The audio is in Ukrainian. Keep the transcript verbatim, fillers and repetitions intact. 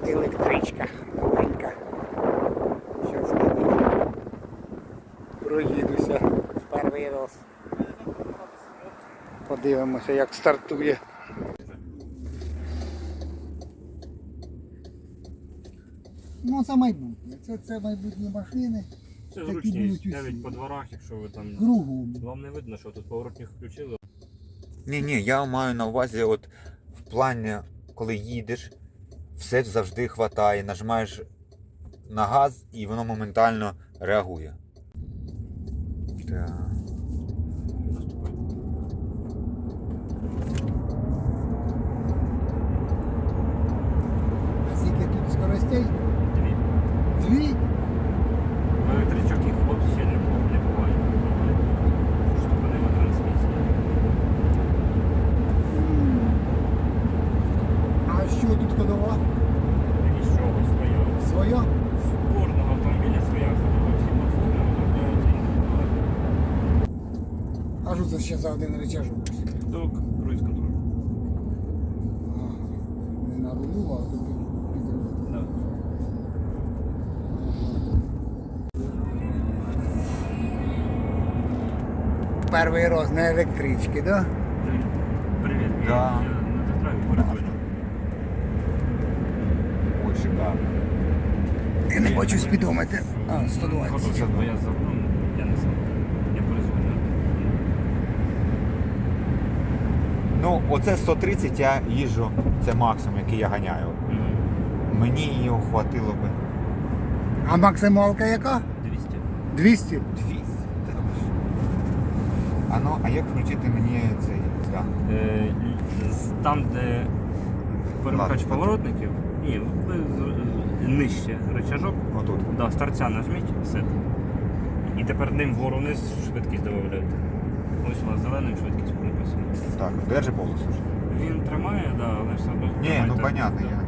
електричка новенька. Зараз піду. Проїдуся перший раз. Подивимося, як стартує. Ну це майбутнє. Це, це майбутні машини. Це такі зручність будуть усі. навіть по дворах, якщо ви там... Кругом. Вам не видно, що тут поворотник включили. Ні, ні, я маю на увазі, от в плані, коли їдеш, все завжди хватає, нажимаєш на газ і воно моментально реагує. Так. А скільки тут скоростей? Дві. Дві? В електричок їх взагалі не, бу- не буває. Ступенева трансмісія. А що тут ходова? Нічого, своя. Своя? В кожного автомобіля своя ходова. Всі платформи розробляються індивідуально. А що це ще за один рычажок? Док, круїз контроль. Ага. Не на рулю, а тут під рулем. Да. Перший раз на електричці, да? Привіт, Да. я на театралі перезвоню. Ой, шикарно. Я не бачу спідометр. А, сто двадцять. Готовся, бо я за ну, я не сам. Я перезвоню. Ну, оце сто тридцять я їжджу, це максимум, який я ганяю. Мгм. Мені його хватило би. А максималка яка? двісті. двісті? двісті. Та ви що? А ну, а як включити мені цей? Да. Е, з- Там, де перемикач Ладно, поворотників, ні, ви з- нижче рычажок, Отут. да, з торця нажміть, сет. І тепер ним вгору вниз швидкість додаєте. Ось у вас зеленим швидкість написано. Так, держи полосу. Він тримає, да, але все одно. Ні, ну тримайте. понятно, Да. я.